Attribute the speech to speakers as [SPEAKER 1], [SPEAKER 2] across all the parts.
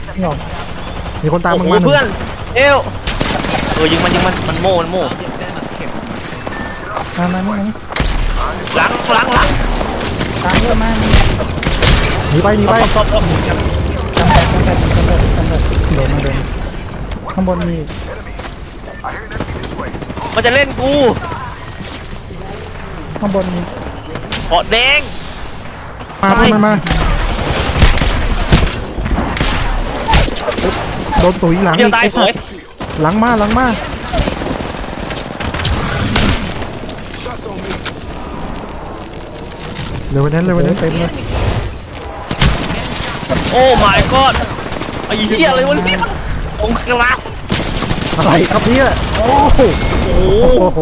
[SPEAKER 1] ไม่ออก
[SPEAKER 2] มีคนตามมึง
[SPEAKER 3] โอ้
[SPEAKER 2] มา
[SPEAKER 3] โหเพื่อนเอวยิงมันโม่
[SPEAKER 1] มานี่
[SPEAKER 3] หลัง
[SPEAKER 1] ตามเยอะมาก
[SPEAKER 2] หนีไป
[SPEAKER 3] ท็อป
[SPEAKER 1] จำแบบโดนมาเดินข้างบนมี
[SPEAKER 3] มันจะเล่นกู
[SPEAKER 1] ข้างบนมี
[SPEAKER 3] เกาะแดง
[SPEAKER 2] มาเพื่อนมันมาโดนตุ๋ยหลัง
[SPEAKER 3] เดี๋ย
[SPEAKER 2] อี
[SPEAKER 3] ว
[SPEAKER 2] ก
[SPEAKER 3] ตาย
[SPEAKER 2] ไอ้
[SPEAKER 3] เผ
[SPEAKER 2] สัต
[SPEAKER 3] ย
[SPEAKER 2] ว์หลังมาเร็วไปนั้นเต็มเลย
[SPEAKER 3] โอ้ my god ไอ้เหี้ยอะไรวะเนี่ยองค์กราบ
[SPEAKER 2] อะไรครับเนี่ยโอ้โห
[SPEAKER 3] โอ้โห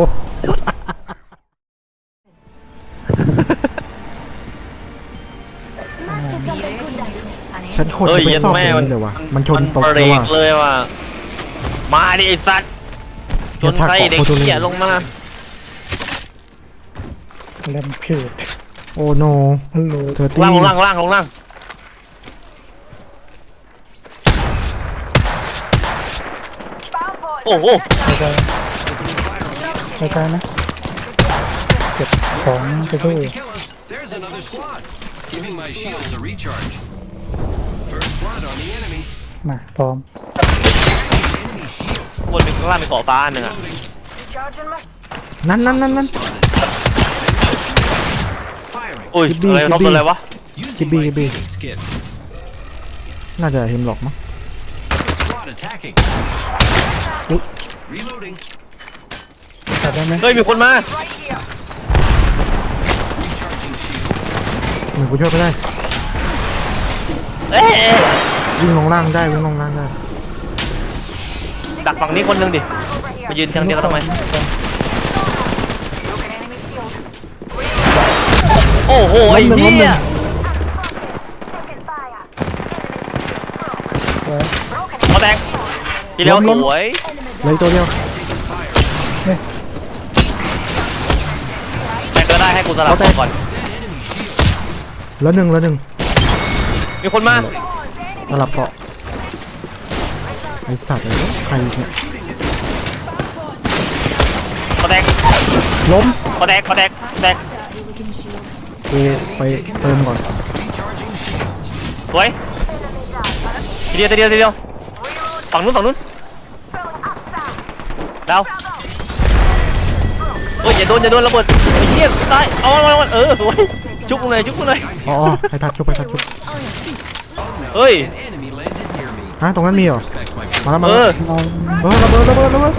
[SPEAKER 2] ฉันคนจะไปซ่อมอย่างนี้เลยวะมันชนตก
[SPEAKER 3] เบร
[SPEAKER 2] เลย
[SPEAKER 3] ก
[SPEAKER 2] ว่ะ
[SPEAKER 3] เลยว่ะมาดิไอ้สัตว์ชนใส่เด็กเหี้ยลงมา
[SPEAKER 1] เล่มผิด
[SPEAKER 2] โอ้โน
[SPEAKER 1] ฮัลโหล
[SPEAKER 2] เธอตี
[SPEAKER 3] ล่างโอ้โห
[SPEAKER 1] ใจนะเก็บของไปด้วย
[SPEAKER 4] There's another squad. Giving my shields a recharge. First blood on the enemy.
[SPEAKER 1] มาพร้อม
[SPEAKER 4] Enemy shield.
[SPEAKER 3] บนมีข้างล่างมีเกาะฟ้าหนึ่งอ่ะ
[SPEAKER 2] นั่น
[SPEAKER 4] Firing.
[SPEAKER 3] อุ้ยอะไรท็อปอะไรวะ
[SPEAKER 4] Using
[SPEAKER 2] Gibby.
[SPEAKER 4] my Phoenix kit.
[SPEAKER 2] น่าจะเห็นหรอกมั้ง
[SPEAKER 4] Squad attacking. Reloading.
[SPEAKER 1] จับได้ไหม
[SPEAKER 3] เฮ้ยมีคนมา
[SPEAKER 4] Recharging shield.
[SPEAKER 2] หนึ่งกูช่วยไปได้
[SPEAKER 3] เอ๊ะ
[SPEAKER 2] วิ่งลงล่างได้
[SPEAKER 3] ดักฝั่งนี้คนหนึ่งดิมายืนทางเดียวกันทำไมโอ้โหไอ้เหี้ย เขาแตกทีเดียวสวย
[SPEAKER 2] เลยตัวเดียว
[SPEAKER 3] แต่ก็ได้ให้กูสลับก่อน
[SPEAKER 2] แล้วหนึ่ง
[SPEAKER 3] มีคนมา
[SPEAKER 2] สลับเกาะไอสัตว์เลยใครเนี่ย
[SPEAKER 3] เขาแตก
[SPEAKER 2] ล้ม
[SPEAKER 3] เขาแตก
[SPEAKER 2] กูไปเติมก่อน
[SPEAKER 3] สวยทีเดียวฝั่งนู้นดาวเฮ้ยอย่าโดนระเบิดไอ้เหี้ยตายเอาสวยชุบกูหน่อย
[SPEAKER 2] อ๋อให้ทัดชุบ
[SPEAKER 3] เฮ้ย
[SPEAKER 4] Enemy landed near me.
[SPEAKER 2] ฮะตรงนั้นมีเหรอ
[SPEAKER 4] Respect my
[SPEAKER 2] มาแล้ว
[SPEAKER 3] เออ
[SPEAKER 2] ระเบิด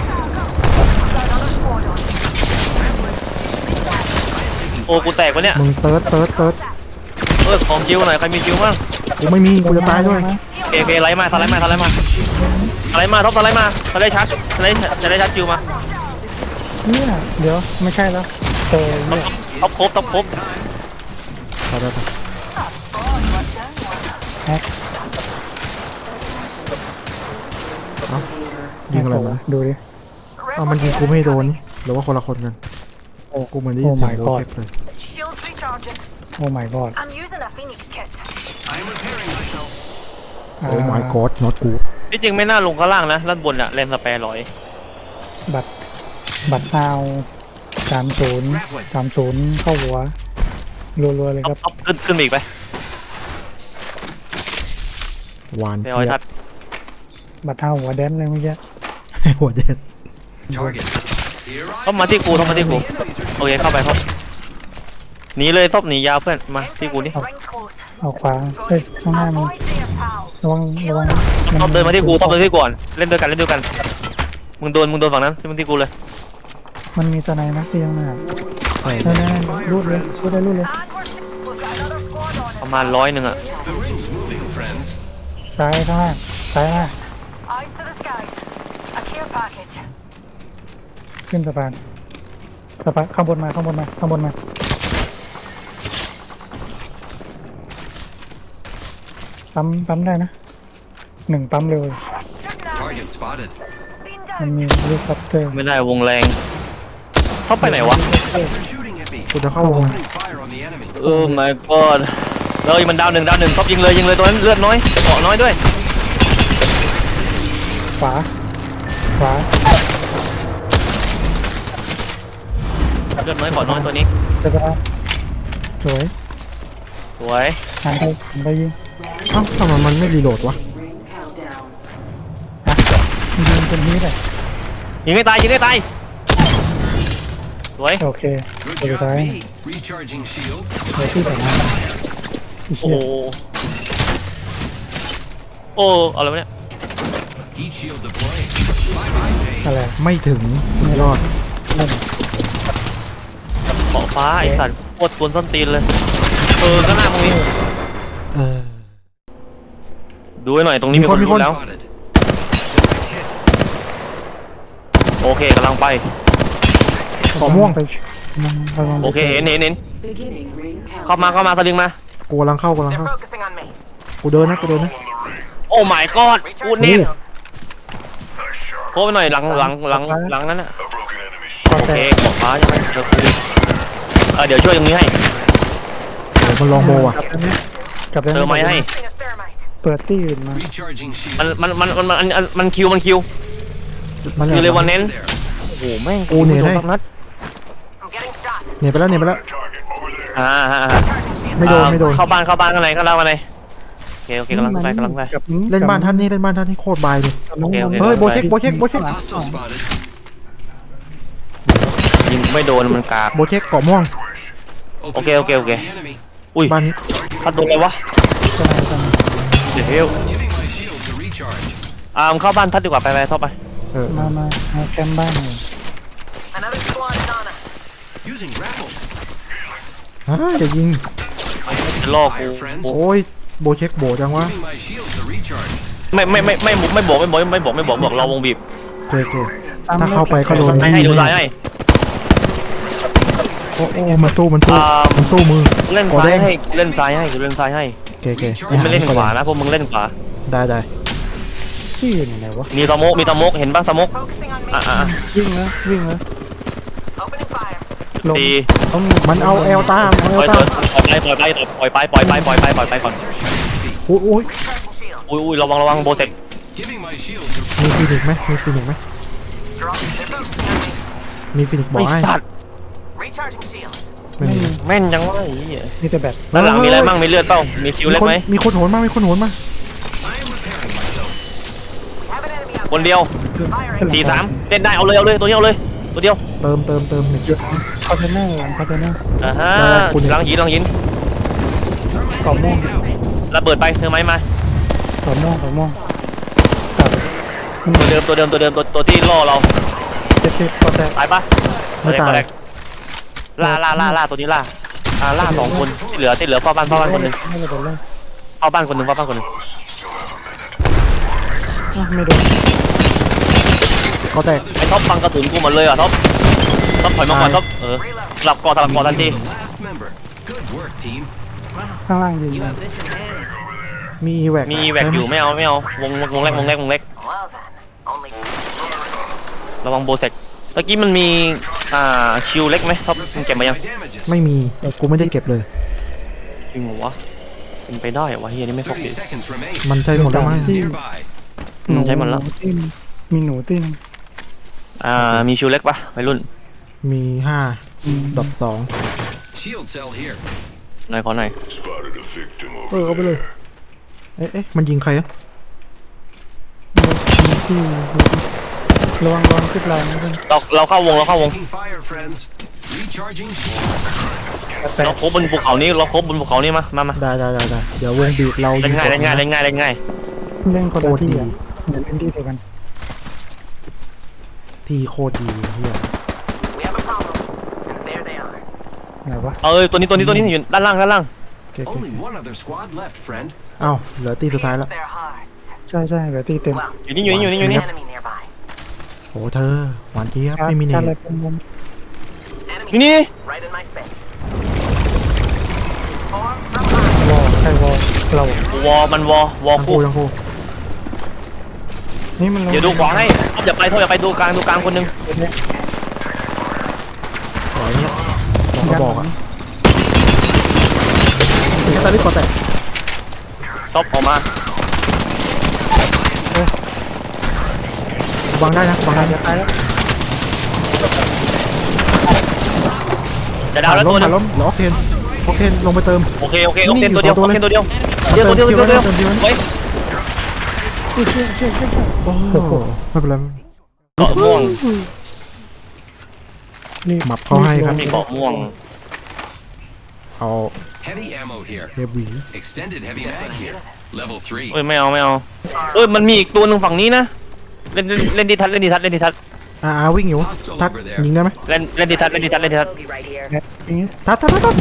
[SPEAKER 3] โอ้กูแตกวะเนี่ย
[SPEAKER 2] มึงเติร์ด
[SPEAKER 3] ของจิ้วหน่อยใครมีจิ้วบ้าง
[SPEAKER 2] กูไม่มีกูจะตายด้วย
[SPEAKER 3] โอเคไล่มาท็อปสไลด์ชัดจิ้วมา
[SPEAKER 1] เนี่ยเดี๋ยวไม่ใช่แล้วเจอเนี่ย
[SPEAKER 3] ท็อปครบ
[SPEAKER 2] ไป
[SPEAKER 1] แฮก
[SPEAKER 2] ยิงอะไรวะ
[SPEAKER 1] ดูดิ
[SPEAKER 2] เอามันยิงกูไม่โดนนี่หรือว่าคนละคนกัน
[SPEAKER 1] โอ้
[SPEAKER 2] กูเหมือนได้ยินเสียง
[SPEAKER 1] Oh my
[SPEAKER 2] โร
[SPEAKER 1] god
[SPEAKER 2] เฟกเลย
[SPEAKER 5] Shields recharging.
[SPEAKER 1] โอ้ my god
[SPEAKER 5] I'm using a Phoenix kit.
[SPEAKER 4] I'm repairing myself.
[SPEAKER 2] โอ้ my god not good
[SPEAKER 3] ที่จริงไม่น่าลงข้างล่างนะด้านบนอะแรมสแปร์ร้อย
[SPEAKER 1] บัตรเอา30เข้าหัวรัวๆเลยครับ
[SPEAKER 3] ท็อปขึ้นอีกไป
[SPEAKER 2] หวาน
[SPEAKER 3] ไป
[SPEAKER 2] เจี๊
[SPEAKER 3] เอาไอ้
[SPEAKER 2] ย
[SPEAKER 3] ทั
[SPEAKER 2] บ
[SPEAKER 3] ด
[SPEAKER 1] บัตรเอาหัวแดนเลยเมื่อกี้
[SPEAKER 2] หัวเด็ด
[SPEAKER 4] Target. Here I
[SPEAKER 3] ท็อปมาที่กูโอเคเข้าไปท็อปหนีเลยท็อปหนียาวเพื่อนมาที่กูนี่
[SPEAKER 5] Ring close.
[SPEAKER 1] เอาขวาเฮ้ยข้างหน้ามี
[SPEAKER 5] Avoid there, pal.
[SPEAKER 1] ระวัง
[SPEAKER 3] ท็อปเดินมาที่กูก่อนเล่นด้วยกันมึงโดนฝั่งนั้นที่มึงที่กูเลย
[SPEAKER 1] มันมีตัวไหนนะที่ยังหน้า
[SPEAKER 2] ใช่
[SPEAKER 1] นั่นรูดเลย
[SPEAKER 5] And we've got another squad on
[SPEAKER 3] ประมาณ100อะ
[SPEAKER 4] The ring's moving, friends.
[SPEAKER 1] ซ้ายข้างล่างซ้ายมา
[SPEAKER 5] it. Eyes to the skies. A care package.
[SPEAKER 1] ขึ้นสะพานข้างบนมาปั๊มได้นะ1ปั๊มเร็ว
[SPEAKER 4] Target spotted.
[SPEAKER 5] Been
[SPEAKER 1] มัน
[SPEAKER 5] down.
[SPEAKER 1] มีลูกคัพเตอร์
[SPEAKER 3] ไม่ได้วงแรงท็อปไปไหนวะ
[SPEAKER 4] They're shooting at me.
[SPEAKER 2] กูจะเข้าวง
[SPEAKER 4] Opening fire on the enemy.
[SPEAKER 3] my god เลยมันดาวหนึ่งท็อปยิงเลยตัวนั้นเลือดน้อยเกาะน้อยด้วย
[SPEAKER 1] ขวาขวา
[SPEAKER 3] เลือดน้อยขอน้อยตัวนี้
[SPEAKER 1] สะพานสวย
[SPEAKER 3] สวย
[SPEAKER 1] หันไปยิง
[SPEAKER 2] เอ้าทำไมมันไม่รีโหลดวะ
[SPEAKER 1] ยิงตรงนี้เลย
[SPEAKER 3] ยิงไม่ตายยิงไม่ตายสวย
[SPEAKER 1] โอเค
[SPEAKER 4] Good
[SPEAKER 1] ตัวสุด
[SPEAKER 4] job,
[SPEAKER 1] ท้าย
[SPEAKER 4] B. Recharging shield.
[SPEAKER 1] เดี๋ยวที่สองอันอีก
[SPEAKER 3] โอ้
[SPEAKER 1] เชี่
[SPEAKER 3] โห
[SPEAKER 1] ย
[SPEAKER 3] โอ้อะไรวะเนี่ย
[SPEAKER 4] Heat shield deployed. Bye-bye, Paige.
[SPEAKER 1] อะไร
[SPEAKER 2] ไม่ถึงสุดยอด
[SPEAKER 1] นั่น
[SPEAKER 3] เกาะฟ้าไอสัตว์โคตรกวนส้นตีนเลยก็หน้าตรงนี้
[SPEAKER 2] เออ
[SPEAKER 3] ดูให้หน่อยตรงนี้มีคน
[SPEAKER 2] มีคน
[SPEAKER 3] รู้แล้ว
[SPEAKER 4] Spotted. Direct hit.
[SPEAKER 3] โอเคกำลังไป
[SPEAKER 2] ขอม่วง
[SPEAKER 1] ไประวัง
[SPEAKER 3] โอเคเห็น
[SPEAKER 6] Beginning ring
[SPEAKER 3] เข้า
[SPEAKER 6] countdown.
[SPEAKER 3] มาสลิงมา
[SPEAKER 2] กูกำลังเข้า
[SPEAKER 5] They're focusing on me.
[SPEAKER 2] กูเดินนะกูเดินนะ
[SPEAKER 3] โอ้ my god กู
[SPEAKER 5] Recharging
[SPEAKER 3] เน็ต
[SPEAKER 5] shields.
[SPEAKER 3] โค้ไปหน่อยหลังนั้นน่ะ
[SPEAKER 1] ขอ
[SPEAKER 3] โอ
[SPEAKER 1] แต
[SPEAKER 3] เค
[SPEAKER 1] ก
[SPEAKER 3] เกาะฟ้าใช่ไหมเดี๋ยวช่วยตรงนี้ให้
[SPEAKER 2] เดี๋ยวมันลองโมอ่ะ
[SPEAKER 1] กลับได้
[SPEAKER 3] เติมไม้ให้
[SPEAKER 5] Using a thermite.
[SPEAKER 1] เปิดที่อื่นมา
[SPEAKER 4] Recharging shield.
[SPEAKER 3] มันคิว
[SPEAKER 2] มัน
[SPEAKER 3] คือเลยวันเน้น
[SPEAKER 4] There.
[SPEAKER 3] โอ้โหแม่ง
[SPEAKER 2] กูเนี่ย
[SPEAKER 3] โด
[SPEAKER 2] ให้
[SPEAKER 3] สักนัด
[SPEAKER 5] I'm getting shot.
[SPEAKER 2] เนี่ยไปแล้วเนี่ยไปแล้ว
[SPEAKER 5] Recharging shield.
[SPEAKER 2] ไม่โดนไม่โดน
[SPEAKER 3] เข้าบ้านข้างในข้างในโอเคกำลังไป
[SPEAKER 1] กับ
[SPEAKER 2] เล่นบ้านท่านนี่เล่นบ้านท่านนี่โคตรบายเลย
[SPEAKER 3] โอเค
[SPEAKER 2] เฮ้ยโบเช็คโบเช็คโบเช็ค
[SPEAKER 4] Hostile spotted.
[SPEAKER 3] ยิงไม่โดนมันกาก
[SPEAKER 2] โบเช็คเกาะม่วง
[SPEAKER 4] Opening
[SPEAKER 3] Okay, okay,
[SPEAKER 4] fire on
[SPEAKER 3] okay.
[SPEAKER 4] the enemy.
[SPEAKER 3] อุ้ย
[SPEAKER 2] บ้านนี้
[SPEAKER 3] พัดโดนอะไรวะเดี๋ยว
[SPEAKER 4] Giving my shield to recharge.
[SPEAKER 3] มึงเข้าบ้านพัดดีกว่าไปท็อปไป
[SPEAKER 2] เออ
[SPEAKER 1] มาแคมป์บ้านเลย
[SPEAKER 5] Another squad is on us.
[SPEAKER 4] Using grapple.
[SPEAKER 2] จะยิง
[SPEAKER 3] จะล่อกู
[SPEAKER 2] โอ้ยโบเช็คโบจังวะ
[SPEAKER 4] Giving my shield to recharge.
[SPEAKER 3] ไม่บอกเราวงบีบ
[SPEAKER 2] เจเจถ้าเข้าไปก็โดน
[SPEAKER 3] ให้ดูซ้ายให้
[SPEAKER 2] โอ้มันสู้มันสู้มือ
[SPEAKER 3] เล่น
[SPEAKER 2] กอ
[SPEAKER 3] ซ้า
[SPEAKER 2] แด
[SPEAKER 3] ย
[SPEAKER 2] ง
[SPEAKER 3] ให้เล่นซ้ายให้เล่นซ้ายให้
[SPEAKER 2] เจเจ
[SPEAKER 3] กูไม่เล่นขวานะพวกมึงเล่นขวา
[SPEAKER 2] ได้ได้
[SPEAKER 1] ที่อื่นไหนวะ
[SPEAKER 3] มีสโมกเห็นป่ะสโมก
[SPEAKER 5] Focusing on me.
[SPEAKER 1] วิ่งแล้ว
[SPEAKER 5] Opening fire.
[SPEAKER 1] ลง
[SPEAKER 3] ตี
[SPEAKER 1] ต้อง
[SPEAKER 2] มันเอาเอลตามเอา
[SPEAKER 3] ป
[SPEAKER 2] เอ
[SPEAKER 3] ล่
[SPEAKER 2] ล
[SPEAKER 3] อย
[SPEAKER 2] ตาม
[SPEAKER 3] ไปก่อน
[SPEAKER 2] อุ้ย
[SPEAKER 5] Recharging shield.
[SPEAKER 3] อุ้ยระวังโบเซ็ก
[SPEAKER 4] Giving my shield to
[SPEAKER 2] มีฟินิกไหมมีฟินิกไหม
[SPEAKER 5] Drop. They're focusing on me.
[SPEAKER 2] มีฟินิกบอ
[SPEAKER 3] ไอก
[SPEAKER 2] ให้
[SPEAKER 3] สัตว์
[SPEAKER 5] Recharging shields.
[SPEAKER 2] ไม่มี
[SPEAKER 3] แม่นจังวะ
[SPEAKER 1] มีแต่แบต
[SPEAKER 3] ด้านหลังมีอะไรมั่งมีเลือดเปล่ามีคิวเล็กไหม
[SPEAKER 2] มีคนโหนมามีคนโหนมา
[SPEAKER 4] I am repairing myself.
[SPEAKER 5] Have an enemy out
[SPEAKER 3] คนเดียว
[SPEAKER 5] Firing.
[SPEAKER 3] 4-3เล่นได้เอาเลยตัวนี้เอาเลยตัวเดียว
[SPEAKER 2] เติมหนึ่ง
[SPEAKER 1] คอนเทนเนอร์หลังคอนเทนเนอร์
[SPEAKER 3] ลังยิน
[SPEAKER 1] กรอบม่วง
[SPEAKER 3] ระเบิดไปเธอไหมมาก
[SPEAKER 1] รอบม่วงกับ
[SPEAKER 3] ตัวเดิมตัวที่ล่อเรา
[SPEAKER 1] 70กอแตก
[SPEAKER 3] ตายปะ
[SPEAKER 2] ไม่ตาย
[SPEAKER 3] ล่าตัวนี้ล่า2คนที่เหลือเฝ้าบ้านคนนึง
[SPEAKER 1] ไม่โดนเลย
[SPEAKER 3] เฝ้าบ้านคนนึง
[SPEAKER 1] ไม่โดน
[SPEAKER 2] ก็แตก
[SPEAKER 3] ไอ้ท็อปฟังกระสุนกูหมดเลยท็อปถอยมาก่อนท็อปสลับกอทันที
[SPEAKER 4] The last member. Good work, team.
[SPEAKER 1] ข้างล่างยิง
[SPEAKER 6] You have this in hand.
[SPEAKER 2] มีแหวก
[SPEAKER 3] มีแหวกอยู่ไม่เอาวงเล็ก
[SPEAKER 5] Well then, only
[SPEAKER 3] ระวังโบเซ็กเมื่อกี้มันมีคิวเล็กไหมท็อปมึงเก็บมายัง
[SPEAKER 4] My damages.
[SPEAKER 2] ไม่มีกูไม่ได้เก็บเลย
[SPEAKER 3] จริงเหรอวะเป็นไปได้เหรอวะเฮียนี่ไม่พก
[SPEAKER 4] 30
[SPEAKER 3] ดิ
[SPEAKER 4] seconds remain.
[SPEAKER 2] มันใช่หมดแล้วมั้ง
[SPEAKER 4] Nearby.
[SPEAKER 3] ใช้หมดแล้ว
[SPEAKER 1] มีหนูติ้น
[SPEAKER 3] มีคิวเล็กปะวัยรุ่น
[SPEAKER 2] มี5ดอก2
[SPEAKER 4] Shield cell here.
[SPEAKER 3] หน่อยขอหน่อย
[SPEAKER 2] เอาไปเลยเอ๊ะมันยิงใครอะ
[SPEAKER 1] ที่ระวังขึ้นลายนะเพื่อน
[SPEAKER 3] เราเข้าวง
[SPEAKER 4] Taking fire, friends. Recharging shield.
[SPEAKER 1] แตก
[SPEAKER 3] เราโคบบนภูเขานี้มา
[SPEAKER 2] ได้เดี๋ยววงบีบเรา
[SPEAKER 3] เล่นง่าย
[SPEAKER 1] เล่นคนละที่อ่ะเหมือนเล่นที่เดียวกัน
[SPEAKER 2] ทีโคตรดีเฮีย
[SPEAKER 5] we have a problem. And there they are.
[SPEAKER 1] ไหนวะ
[SPEAKER 3] ตัวนี้อยู่ด้านล่าง
[SPEAKER 2] เก๋
[SPEAKER 4] Only one other squad left, friend.
[SPEAKER 2] เอ้าเหลือตีสุดท้ายแล้ว
[SPEAKER 5] Their hearts.
[SPEAKER 1] ใช่เหลือที่เต็ม
[SPEAKER 5] Well,
[SPEAKER 3] อยู่นี่
[SPEAKER 5] enemy nearby.
[SPEAKER 2] โอ้เธอหวานเจี๊ยบไม่มีเน
[SPEAKER 1] อะไร
[SPEAKER 2] ต
[SPEAKER 1] เป็นมุม
[SPEAKER 5] Enemy
[SPEAKER 3] นี่
[SPEAKER 5] right in my space. Form from behind.
[SPEAKER 1] วอลใช่วอลเรา
[SPEAKER 3] วอมันวอ
[SPEAKER 2] ทั้ง
[SPEAKER 3] คู่
[SPEAKER 2] คู่
[SPEAKER 1] นี่มัน
[SPEAKER 3] เดี๋ยวดูขวาให้อย่าไปดูกลางคนนึง
[SPEAKER 2] ปล่อยเนี่ยบอกก็บอกอ่ะแค่ตอนนี้ก็แตก
[SPEAKER 3] ท็อปออกมา
[SPEAKER 1] โ
[SPEAKER 2] วางได้นะวางได้
[SPEAKER 1] จะตายแล้ว
[SPEAKER 3] จะดาวแล้ว
[SPEAKER 2] ล้
[SPEAKER 3] ตัว
[SPEAKER 2] ม
[SPEAKER 3] หนึง
[SPEAKER 2] ล้มเหลือออกเทนลงไปเติม
[SPEAKER 3] โอเคโอเคตัวเดียว
[SPEAKER 2] นี่
[SPEAKER 3] โอเคตัวเดียว
[SPEAKER 2] เติม
[SPEAKER 3] ตัวเดียว
[SPEAKER 2] เติม
[SPEAKER 3] เฮ้ย
[SPEAKER 2] โอ้ไม่เป็นไร
[SPEAKER 3] เกาะม่วง
[SPEAKER 1] นี่
[SPEAKER 2] หมับเขาให้ครับ
[SPEAKER 3] มีเกาะม่วง
[SPEAKER 2] เอา
[SPEAKER 4] Heavy ammo here.
[SPEAKER 2] เฮฟวี
[SPEAKER 4] Extended heavy mag here. Level 3.
[SPEAKER 3] เอ้ยไม่เอามันมีอีกตัวหนึ่งฝั่งนี้นะเล่นดีทัศน์
[SPEAKER 2] วิ่งอยู่ทักยิงได้ไหม
[SPEAKER 3] เล่นดีทัศน์
[SPEAKER 5] Bogey right here.
[SPEAKER 1] อย่างงี้
[SPEAKER 2] ทัก
[SPEAKER 4] Frag out.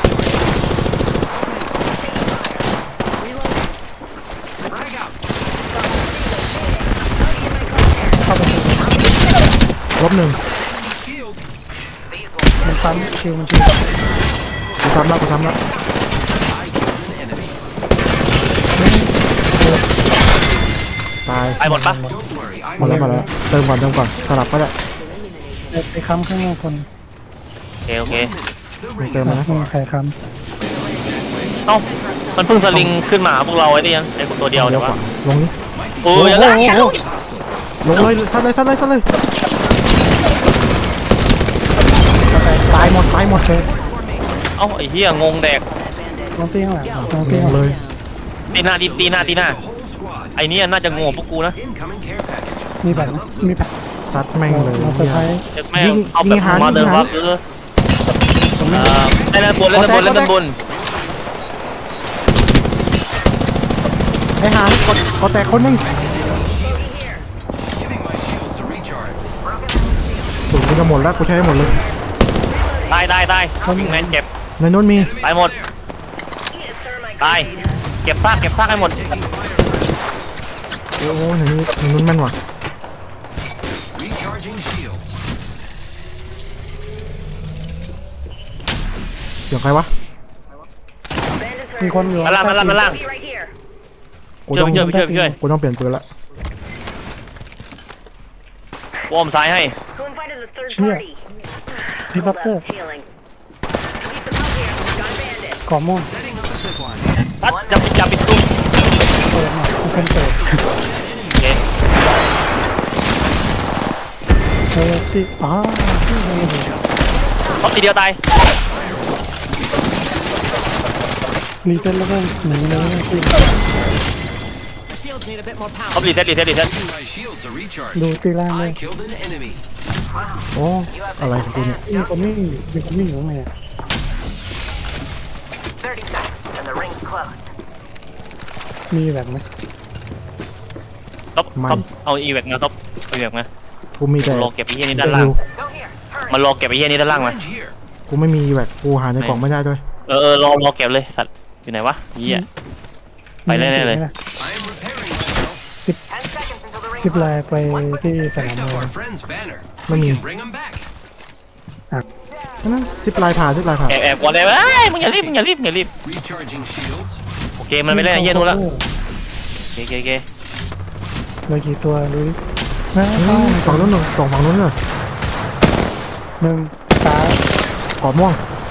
[SPEAKER 1] เข้าไปเลย
[SPEAKER 2] ลบหนึ่ง
[SPEAKER 4] Shield.
[SPEAKER 1] มันซ้ำคิวมันชิว
[SPEAKER 2] กูทำแล้ว
[SPEAKER 4] I killed an enemy.
[SPEAKER 2] ตาย
[SPEAKER 3] ไปหมดปะ
[SPEAKER 4] Don't worry.
[SPEAKER 2] หมดแล้วเติมก่อนสลับก็ได้
[SPEAKER 1] ไปค้ำข้างหน้าคน
[SPEAKER 3] โอเค
[SPEAKER 2] ไม่เติมนะ
[SPEAKER 1] ไม่มีใครค้
[SPEAKER 3] เอ้ามันเพิ่งสลิงขึ้นมาพวกเราไอ้นี่ยังไอ้คนตัวเดียว
[SPEAKER 2] เดี๋
[SPEAKER 3] เดี๋
[SPEAKER 2] ย
[SPEAKER 3] ยว ว
[SPEAKER 2] ข
[SPEAKER 3] วะ
[SPEAKER 2] วาลงนี่
[SPEAKER 3] โอ้ยอย่า
[SPEAKER 2] โอ้
[SPEAKER 3] ละ
[SPEAKER 2] โหลงเลยซัดเลยตายหมด
[SPEAKER 1] ำเลย
[SPEAKER 3] เอ้าไอ้เหี้ยงงแดก
[SPEAKER 1] ลงตีข้างหลังลงตี
[SPEAKER 2] ล
[SPEAKER 1] ข้าง
[SPEAKER 2] ง
[SPEAKER 1] หลั
[SPEAKER 2] เล
[SPEAKER 1] ง
[SPEAKER 2] ย
[SPEAKER 3] ตีหน้า
[SPEAKER 4] The whole squad.
[SPEAKER 3] ไอ้เนี่ยน่าจะงงพวกกูนะ
[SPEAKER 4] Incoming care package.
[SPEAKER 1] มีแบบมีแบบ
[SPEAKER 2] ซัดแม่งเลย
[SPEAKER 1] เราเซอร์ไพรส์
[SPEAKER 3] แม่งเอาแบบมาเลยว่าเล่นด้านบน
[SPEAKER 2] ไอ้หางก็แตกคนนึง
[SPEAKER 4] Giving my shields a recharge.
[SPEAKER 2] สูงกูจะหมดแล้วกูใช้ให้หมดเลย
[SPEAKER 3] ได้วิ่งแมนเก็บ
[SPEAKER 2] ในนู้นมี
[SPEAKER 3] ตายหมดตายเก็บซากให้หมด
[SPEAKER 2] โอ้โหในนู้นแม่นว่ะ
[SPEAKER 4] Recharging shields.
[SPEAKER 2] เสียงใครวะ
[SPEAKER 1] มีคนอยู่
[SPEAKER 3] มาล่าง
[SPEAKER 5] Bogey right here.
[SPEAKER 2] กูต้อง
[SPEAKER 3] ช่วย
[SPEAKER 2] กูต้องเปลี่ยนปืนละ
[SPEAKER 3] วอร์มซ้ายให้
[SPEAKER 5] Who invited the third
[SPEAKER 1] Here.
[SPEAKER 5] party?
[SPEAKER 1] พี่บัตเตอร์
[SPEAKER 5] Healing. Leave them out here. Got a bandit.
[SPEAKER 1] ก่อม่วง
[SPEAKER 4] Setting up a zip line.
[SPEAKER 3] ตัดจับปิดตุ้ม
[SPEAKER 1] เปิดหน่อยมันเป็นเปิด
[SPEAKER 3] โอเค
[SPEAKER 1] ที่ที่ยังไม่ถึง
[SPEAKER 3] ท็อปทีเดียวตาย
[SPEAKER 1] รีเซ็ตแล้วก็หนีเลยที่
[SPEAKER 6] Shields need a bit more power.
[SPEAKER 3] ท็อปรีเซ็ต
[SPEAKER 4] Giving my shields a recharge.
[SPEAKER 1] ดูตีล่างเลย
[SPEAKER 4] I killed an enemy.
[SPEAKER 2] โอ้อะไรของกูเนี่ย
[SPEAKER 1] มีคนวิ่งอยู่ข้างใน
[SPEAKER 5] 30 seconds and the ring's closed.
[SPEAKER 1] มีแบบไหม
[SPEAKER 3] ท็อปเอาอีเวกมาท็อปอีเวกมา
[SPEAKER 2] กูมีแต่
[SPEAKER 3] รอเก็บไอ้เหี้ยนี่ด้านล่าง
[SPEAKER 5] Go here. Hurry.
[SPEAKER 3] มันรอเก็บไอ้เหี้ยนี่ด้านล่างมา
[SPEAKER 4] Syringe here.
[SPEAKER 2] กูไม่มีแหวกกูหาในกล่องไม่ได้ด้วย
[SPEAKER 3] รอเก็บเลยสัตว์อยู่ไหนวะเหี้ยไปแน่เลย
[SPEAKER 4] I am repairing myself.
[SPEAKER 5] 10 seconds until the ring
[SPEAKER 1] ซิปไล
[SPEAKER 5] closes.
[SPEAKER 1] น์ไปที่สนาม
[SPEAKER 4] Picked
[SPEAKER 1] ม
[SPEAKER 4] up
[SPEAKER 1] วย
[SPEAKER 4] our friend's banner.
[SPEAKER 2] Let me-
[SPEAKER 4] We can bring him back.
[SPEAKER 2] นั่นซิปลายผ่า
[SPEAKER 3] แอบก่อนเลยมึงอย่ารีบ
[SPEAKER 4] Recharging shields.
[SPEAKER 3] โอเคมันไม่เล่นไอ้เหี้ยนู้นละโอเค
[SPEAKER 1] เหลือกี่ตัวดูดิ
[SPEAKER 2] ฝั่งนู้นหนึ่งฝั่งนู้นเลย
[SPEAKER 1] หนึ่งสาม
[SPEAKER 2] กรอบม่วง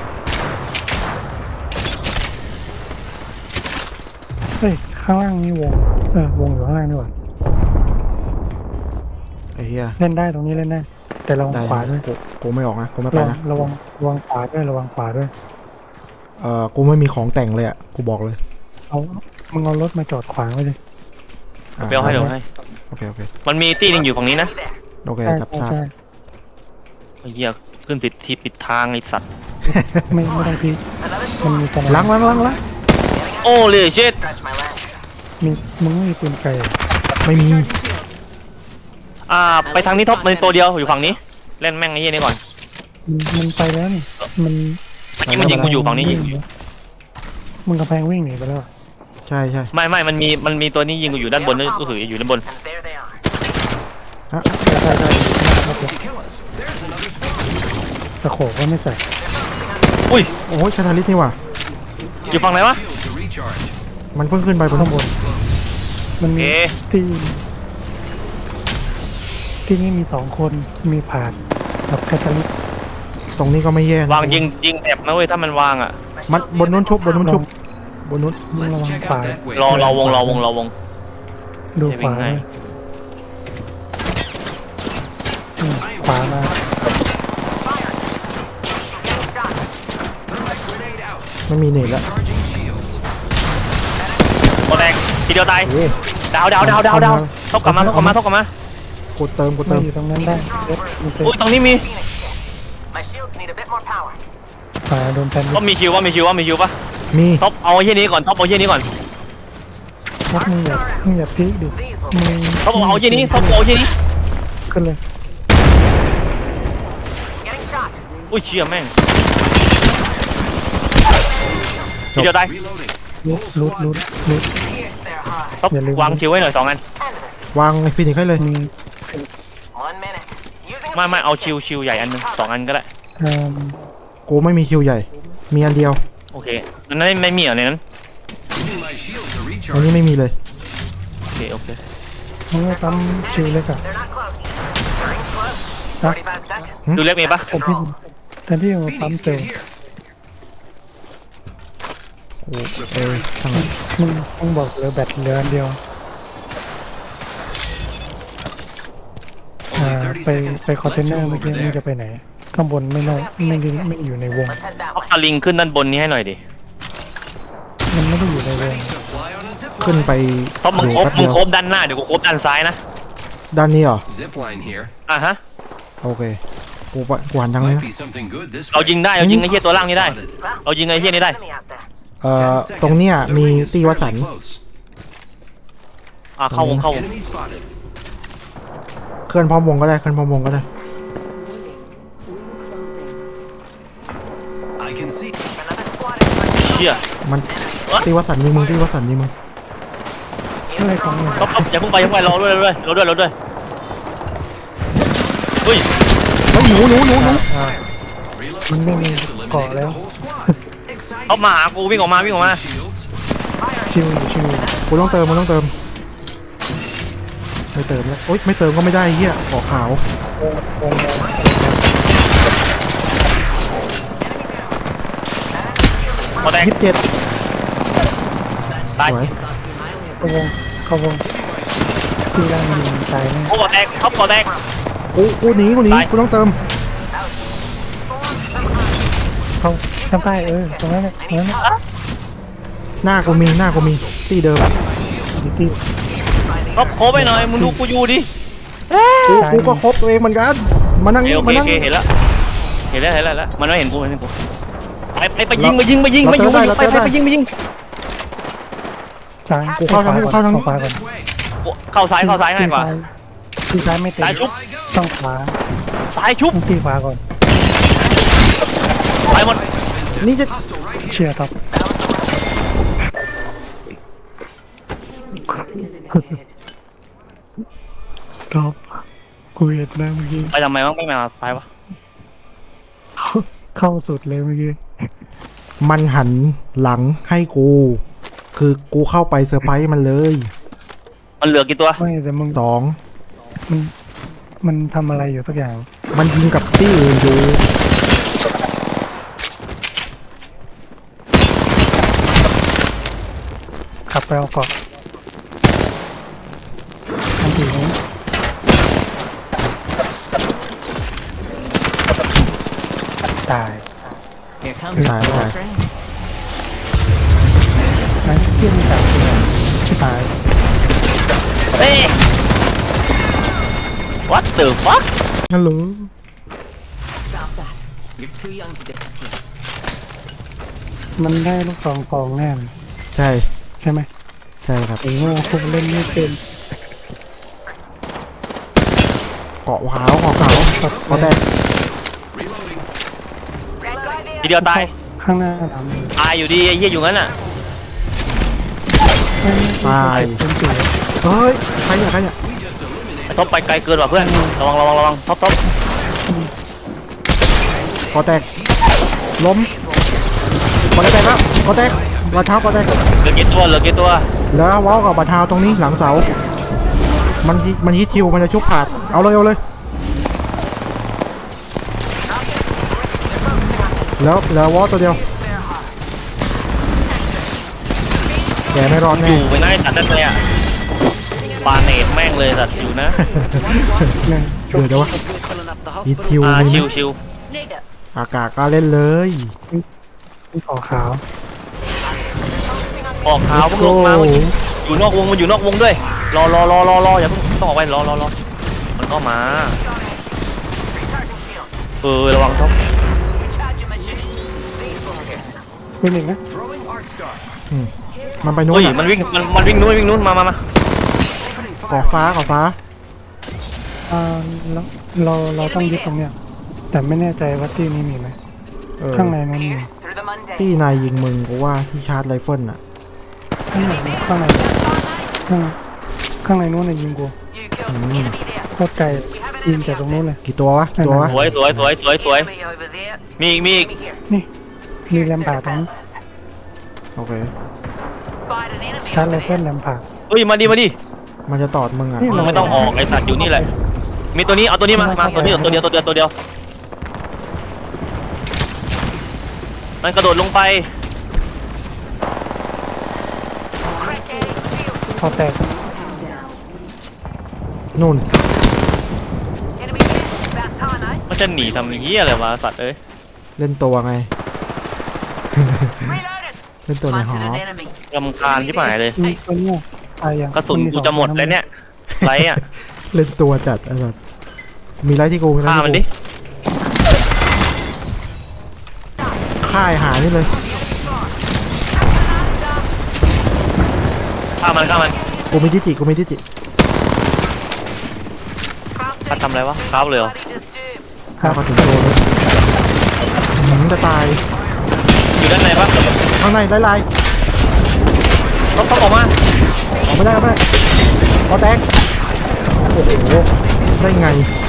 [SPEAKER 1] เฮ้ยข้างล่างนี่วงวงอยู่ข้างล่างนี่หว่า
[SPEAKER 2] ไอ้เหี้ย
[SPEAKER 1] เล่นได้ตรงนี้เล่นได้แต่ระวัง
[SPEAKER 2] ได้
[SPEAKER 1] ขวาด้วย
[SPEAKER 2] กูไม่ออกนะกูไม่ไปนะ
[SPEAKER 1] ระวังขวาด้วยระวังขวาด้วย
[SPEAKER 2] กูไม่มีของแต่งเลยอ่ะกูบอกเลย
[SPEAKER 1] มึงเอารถมาจอดขวางไว้เลย
[SPEAKER 3] เบลให้เดี๋ยวให้
[SPEAKER 2] โอเค
[SPEAKER 3] มันมีตีนึงอยู่ฝั่งนี้นะ
[SPEAKER 2] โอเคจับทราบ
[SPEAKER 1] ใช่
[SPEAKER 3] ไอ้เหี้ยขึ้นผิดทางไอ้สัตว์
[SPEAKER 1] ไม่ต้องพีมันมีตอน
[SPEAKER 2] ล้าง
[SPEAKER 3] โอ้เลยเช็ด
[SPEAKER 5] Stretch my leg.
[SPEAKER 1] มีมึงไม่มีปืนไกล
[SPEAKER 2] ไม่มี
[SPEAKER 3] ไปทางนี้ท็อปมันตัวเดียวอยู่ฝั่งนี้เล่นแม่งไอ้เหี้ยนี่ก่อน
[SPEAKER 1] มันไปแล้วนี่มัน
[SPEAKER 3] เมื่อกี้มันยิงกูอยู่ฝั่งนี้ยิง
[SPEAKER 1] มึงกระแพงวิ่งหนีไปแล้ว
[SPEAKER 2] ใช่
[SPEAKER 3] ไม่มันมีตัวนี้ยิงกูอยู่ด้านบนนี่ก็คืออยู่ด้านบน
[SPEAKER 5] And there they are.
[SPEAKER 2] ฮะ
[SPEAKER 4] To kill us. There's another squad.
[SPEAKER 1] ตะโขบก็ไม่ใส่
[SPEAKER 3] อุ้ย
[SPEAKER 2] โอ้ยคาทาลิสนี่ว่ะ
[SPEAKER 3] อยู่ฝั่งไหนวะ
[SPEAKER 4] Shields a recharge.
[SPEAKER 2] มันเพิ่งขึ้นไปบนข้างบน
[SPEAKER 1] มัน
[SPEAKER 3] โอ
[SPEAKER 1] มี
[SPEAKER 3] เค
[SPEAKER 1] ที่นี่มี2คนมีผาดกับแคทเธอรีน
[SPEAKER 2] ตรงนี้ก็ไม่แย่นะ
[SPEAKER 3] วางยิงแอบนะเว้ยถ้ามันวางอ่ะ
[SPEAKER 2] มันบนนู้นชุบบนนู้น
[SPEAKER 1] มึงระ
[SPEAKER 4] Let's
[SPEAKER 1] วัง
[SPEAKER 4] check
[SPEAKER 1] ขวา
[SPEAKER 4] out that way.
[SPEAKER 3] รอวง
[SPEAKER 1] ดู
[SPEAKER 3] จะวิ่
[SPEAKER 1] ขวาง
[SPEAKER 3] ให้
[SPEAKER 1] เลยขวามา
[SPEAKER 4] Thermite grenade out.
[SPEAKER 2] ไม่มีเน็ตแล้ว
[SPEAKER 4] Charging shields.
[SPEAKER 3] โอแตกทีเดียวตาย
[SPEAKER 2] เอ๊ะ
[SPEAKER 3] ดาวทบกลับมา
[SPEAKER 2] กูเติม
[SPEAKER 1] ไม่อยู่ตรงนั้นได้เด็ดมีเซ
[SPEAKER 3] อุ้ยตรงนี้มี
[SPEAKER 5] My shields need a bit more power.
[SPEAKER 1] ขวาโดนแทน
[SPEAKER 3] ก็มีคิวปะ
[SPEAKER 2] มี
[SPEAKER 3] ท็อปเอาไอ้เหี้ยนี้ก่อนท็อปเอาไอ้เหี้ยนี้ก่อน
[SPEAKER 1] ท็อปมึงอย่าพลิกดิ
[SPEAKER 5] These will
[SPEAKER 1] มึง
[SPEAKER 3] ท็อปเอาไอ้เหี้ยนี้ท็อปเอาไอ้เหี้ยนี้
[SPEAKER 1] ขึ้นเลย
[SPEAKER 5] getting shot.
[SPEAKER 3] อุ้ยเชี่ยแม่งทีเดียวตาย
[SPEAKER 4] Reloading.
[SPEAKER 1] ลุด
[SPEAKER 5] Pierce their heart.
[SPEAKER 3] ท็อป
[SPEAKER 1] อย่าลืม
[SPEAKER 3] วางคิวไว้หน่อย2 อัน
[SPEAKER 5] End of it.
[SPEAKER 2] วางไอ้ฟินิกให้เลย
[SPEAKER 1] มี
[SPEAKER 5] 1 minute. Using
[SPEAKER 3] ไม่เอาชิวใหญ่อันนึง2 อันก็ได้
[SPEAKER 1] เอ่อ
[SPEAKER 2] กูไม่มีคิวใหญ่ มีอันเดียว
[SPEAKER 3] โอเคนั้นไม่มีเหรอในนั้น
[SPEAKER 4] Giving my shields a
[SPEAKER 2] อัน
[SPEAKER 4] recharge.
[SPEAKER 2] นี้ไม่มีเลย
[SPEAKER 3] โอเค
[SPEAKER 1] มึงไม่ปั๊มชิวเลยกับ
[SPEAKER 5] They're not close. Ring's close.
[SPEAKER 1] ฮะ
[SPEAKER 5] 45 seconds.
[SPEAKER 3] ดูเล็กมีปะ
[SPEAKER 1] แทนที่จะมาปั๊ม
[SPEAKER 4] Phoenix,
[SPEAKER 1] เซล
[SPEAKER 4] get
[SPEAKER 1] ล์
[SPEAKER 4] here.
[SPEAKER 2] ช่างมัน
[SPEAKER 1] มึงบอกเหลือแบตเหลืออันเดียว
[SPEAKER 4] Only 30
[SPEAKER 1] ไป
[SPEAKER 4] seconds.
[SPEAKER 1] ไปคอนเทนเนอร์
[SPEAKER 4] Let's
[SPEAKER 1] เมื่อ
[SPEAKER 4] move
[SPEAKER 1] กี้
[SPEAKER 4] over
[SPEAKER 1] มึงจะ
[SPEAKER 4] there.
[SPEAKER 1] ไปไหน ข้างบนไม่อยู่ในวง
[SPEAKER 5] Let's head that
[SPEAKER 3] ท็อป
[SPEAKER 5] way.
[SPEAKER 3] สลิงขึ้นด้านบนนี้ให้หน่อยดิ
[SPEAKER 1] มันไม่ได้อยู่ในวง
[SPEAKER 4] Ready to fly on a zip
[SPEAKER 2] ขึ้น
[SPEAKER 4] line.
[SPEAKER 2] ไป
[SPEAKER 3] ท็อปมึง
[SPEAKER 2] อยู่
[SPEAKER 3] โคบ
[SPEAKER 2] แป๊บ
[SPEAKER 3] มึ
[SPEAKER 2] เดี
[SPEAKER 3] ง
[SPEAKER 2] ยว
[SPEAKER 3] โคบด้านหน้าเดี๋ยวกูโคบด้านซ้ายนะ
[SPEAKER 2] ด้านนี้เหรอ
[SPEAKER 4] Zip line here.
[SPEAKER 3] ฮะ
[SPEAKER 2] โอเค กูหันทางนี้
[SPEAKER 4] Might
[SPEAKER 2] นะ
[SPEAKER 4] be something good this
[SPEAKER 3] เรา
[SPEAKER 4] way.
[SPEAKER 3] ยิงได้เรายิงไอ้เหี้ยตัวล่างนี้ได้
[SPEAKER 4] Spotted.
[SPEAKER 3] เรายิงไอ้เหี้ยนี้ได้
[SPEAKER 5] Enemy out there.
[SPEAKER 4] 10
[SPEAKER 2] ตรงเนี้ย
[SPEAKER 4] seconds.
[SPEAKER 2] มี
[SPEAKER 4] The ring is
[SPEAKER 2] ตีวสัน
[SPEAKER 4] fairly close.
[SPEAKER 3] เข้าวง
[SPEAKER 4] Enemy spotted.
[SPEAKER 2] เคลื่อนพร้อมวงก็ได้ เคลื่อนพร้อมวงก็ได้
[SPEAKER 4] I can see.
[SPEAKER 5] Another squad is
[SPEAKER 3] เชี่ย
[SPEAKER 2] มันตีวสันยิงมึงตีวสันยิงมึง
[SPEAKER 1] อะไรของมึง
[SPEAKER 3] ท็อปอย่าเพิ่งไปรอด้วยเฮ้ย
[SPEAKER 2] เฮ้ยหนู
[SPEAKER 4] Reload.
[SPEAKER 1] มันไม่มี
[SPEAKER 4] Just
[SPEAKER 1] เกาะ
[SPEAKER 4] eliminated
[SPEAKER 1] แล้
[SPEAKER 4] the
[SPEAKER 1] ว
[SPEAKER 4] whole squad.
[SPEAKER 3] ท็อป
[SPEAKER 4] Exciting.
[SPEAKER 3] มาหากูวิ่งออกมา
[SPEAKER 4] Shields.
[SPEAKER 1] ชิวอยู่
[SPEAKER 2] กูต้องเติม ไม่เติมแล้วโอ๊ยไม่เติมก็ไม่ได้เฮียเกาะขาว
[SPEAKER 1] วง
[SPEAKER 3] พอแตก
[SPEAKER 2] 27
[SPEAKER 3] ตาย
[SPEAKER 2] สวย
[SPEAKER 1] เข้าวงที่ร่างมันตายแน่
[SPEAKER 3] โอ้แตกท็อปแตก
[SPEAKER 2] กูหนี
[SPEAKER 3] ตาย
[SPEAKER 2] กูต้องเติม
[SPEAKER 1] เข้าข้างใต้ตรงนั้นแหละตรงนั้นแหละ
[SPEAKER 2] หน้ากูมีที่เดิม
[SPEAKER 1] ที่
[SPEAKER 3] ท็อปโคไปหน่อยมึงดูกูอยู่ดิ
[SPEAKER 2] กูก็ครบตัวเองเหมือนกัน มานั่งนี่
[SPEAKER 3] โอ
[SPEAKER 2] มา
[SPEAKER 3] เค
[SPEAKER 2] นั่ง
[SPEAKER 3] เห็นแล้วมันไม่เห็นกูไปยิงไปยิงยิง
[SPEAKER 1] ซ้าย
[SPEAKER 2] กูเข้าทางนี้
[SPEAKER 1] ขวาก่อน
[SPEAKER 4] This way.
[SPEAKER 3] เข้าซ้ายง่ายกว่า
[SPEAKER 1] ที่ซ้ายไม่เต็ม
[SPEAKER 3] ซ้ายชุบ
[SPEAKER 1] ต้องขวา
[SPEAKER 3] ซ้ายชุบ
[SPEAKER 1] ต้องที่ขวาก่อน
[SPEAKER 3] ไปหมด
[SPEAKER 2] นี่จะ
[SPEAKER 4] Hostile right here.
[SPEAKER 1] เชียร์ครับท็อปกูเห็นนะเมื่อกี้
[SPEAKER 3] ไปทำไมวะไม่มาซ้ายวะ
[SPEAKER 1] เข้าสุดเลยเมื่อกี้
[SPEAKER 2] มันหันหลังให้กู คือกูเข้าไปเซอร์ไพรส์มันเลย
[SPEAKER 3] มันเหลือกี่ตัว
[SPEAKER 1] ไม่แต่มึง
[SPEAKER 2] 2
[SPEAKER 1] มันทำอะไรอยู่สักอย่าง
[SPEAKER 2] มันยิงกับที่อื่นอยู่
[SPEAKER 1] ขับไปเอาเกาะทันทีนี้ตาย
[SPEAKER 6] Here comes
[SPEAKER 2] Tải,
[SPEAKER 6] the
[SPEAKER 2] tải.
[SPEAKER 6] train.
[SPEAKER 1] นั้นเที่ยมี3ตัวชิบหาย
[SPEAKER 3] เฮ้ย what the fuck
[SPEAKER 2] ฮัลโหล
[SPEAKER 6] Stop that. You're too young to defend here.
[SPEAKER 1] มันได้ลูกซองฟองแน่เลย
[SPEAKER 2] ใช่
[SPEAKER 1] ใช่ไหม
[SPEAKER 2] ใช่ครับ
[SPEAKER 1] ไอ้โง่พวกเล่นไม่เป็น
[SPEAKER 2] เกาะขาวเกาะแตก
[SPEAKER 4] Reloading.
[SPEAKER 3] ทีเดียวตาย
[SPEAKER 1] ข้างหน้าท
[SPEAKER 3] ตายอยู่ดีไอ้เหี้ยอยู่งั้นอ่ะ
[SPEAKER 1] ำ
[SPEAKER 2] ตาย
[SPEAKER 1] เป็นสี
[SPEAKER 2] เฮ้ย ใครเนี่ย
[SPEAKER 4] We just eliminated.
[SPEAKER 3] ไอ้ท็อปไปไกลเกินว่ะเพื่อนระวังท็อป
[SPEAKER 2] เกาะแตก ล้มเกาะแตกแล้วเกาะแตกบาดเท้าเกาะแตก
[SPEAKER 3] เหลือกี่ตัว
[SPEAKER 2] แล้วว้าวกับบาดเท้าตรงนี้หลังเสา มันฮิตคิว มันจะชุบผาด เอาเลยแล้ววอลตัวเดียวแกไม่รอด
[SPEAKER 3] อ
[SPEAKER 2] แน่
[SPEAKER 3] ยู่ไปไหนตัดนั่นเลยอ่ะปาเนตแม่งเลยสัตว์อยู่นะ
[SPEAKER 1] เนี่ย
[SPEAKER 2] เดี๋ยวจะวะ
[SPEAKER 6] Filling up the
[SPEAKER 2] อี
[SPEAKER 6] hospital.
[SPEAKER 2] ทิว
[SPEAKER 3] ชิ
[SPEAKER 2] มี
[SPEAKER 3] ว
[SPEAKER 2] ไหม
[SPEAKER 3] ชิว
[SPEAKER 5] Nigga.
[SPEAKER 2] อากาศก็เล่นเลย
[SPEAKER 1] ที่ขอขาว
[SPEAKER 3] ออกขาวพวกลงมามันอยู่นอกวงมันอยู่นอกวงด้วยรออย่าเพิ่งต้องออกไปรอมันก็มาระวังท็อป
[SPEAKER 5] Recharging my shield. These bunkers.
[SPEAKER 1] เป็นอีกนะ
[SPEAKER 4] Throwing arc star.
[SPEAKER 2] มันไปโน้น
[SPEAKER 3] เฮ้ย
[SPEAKER 2] อะ
[SPEAKER 3] มันวิ่งนู้นมา
[SPEAKER 4] Opening
[SPEAKER 2] ก่อ
[SPEAKER 4] fire.
[SPEAKER 2] ฟ้าก่อฟ้า
[SPEAKER 1] เราต้องยึดตรงเนี้ยแต่ไม่แน่ใจว่าที่นี้มีไหม
[SPEAKER 2] เออ
[SPEAKER 1] ข้างในนั้นมี
[SPEAKER 6] Pierce through the mundane.
[SPEAKER 2] ตี้นายยิงมึงกูว่าที่ชาร์จไรเฟิลน่ะ
[SPEAKER 1] ข้างในข้างในนู้นน่ะยิงกู
[SPEAKER 5] You killed an enemy there.
[SPEAKER 1] โคตรไกลยิงจากตรงนู้นเลย
[SPEAKER 2] กี่ตัววะกี่ตัววะ
[SPEAKER 3] สวย
[SPEAKER 5] Enemy over there.
[SPEAKER 3] มีอีก
[SPEAKER 5] Enemy here.
[SPEAKER 1] นี่มีแรมผ่าตรงนี้
[SPEAKER 2] โอเค
[SPEAKER 5] Spied an enemy
[SPEAKER 1] ชาร์จ
[SPEAKER 5] over
[SPEAKER 1] ไรเฟิล
[SPEAKER 5] there.
[SPEAKER 1] แรมผ่า
[SPEAKER 3] เฮ้ยมาดิ
[SPEAKER 2] มันจะตอดมึงอ่ะ
[SPEAKER 1] นี่
[SPEAKER 3] มึงไม่ต้องออกไอสัตว์อยู่นี่แหละมีตัวนี้เอาตัวนี้มาตัวเดียวมันกระโดดลงไป
[SPEAKER 5] Crack that shield.
[SPEAKER 1] พอแตก
[SPEAKER 2] นู่น
[SPEAKER 5] Enemy here. About time, eh?
[SPEAKER 3] มันจะหนีทำเหี้ยอะไรวะสัตว์เอ้ย
[SPEAKER 2] เล่นตัวไง
[SPEAKER 5] Reloaded.
[SPEAKER 2] เล่นตัวในหอ
[SPEAKER 5] Hunted an enemy.
[SPEAKER 3] รำคาญที่หายเลย
[SPEAKER 1] มีตัวเนี้ยตายยัง
[SPEAKER 3] กระสุนกูจะหมดแล้วเนี่ยไรอ่ะ
[SPEAKER 2] เล่นตัวจัดไอ้สัสมีไรที่กู
[SPEAKER 3] ฆ่ามันดิ
[SPEAKER 2] ฆ่าไอ้หานี่เลย
[SPEAKER 3] ฆ่ามัน
[SPEAKER 2] กูมีดิจิ
[SPEAKER 3] ฆ่าทำอะไรวะครับเลยเหรอ
[SPEAKER 5] Bloody disturbed.
[SPEAKER 2] ฆ่ากระสุนโดนเลยจะตาย
[SPEAKER 3] อยู่ด้านในปะ
[SPEAKER 2] ข้างในไล่
[SPEAKER 3] ต้องออกมา
[SPEAKER 2] ออกไม่ได้พอแตกโอ้โหได้ไง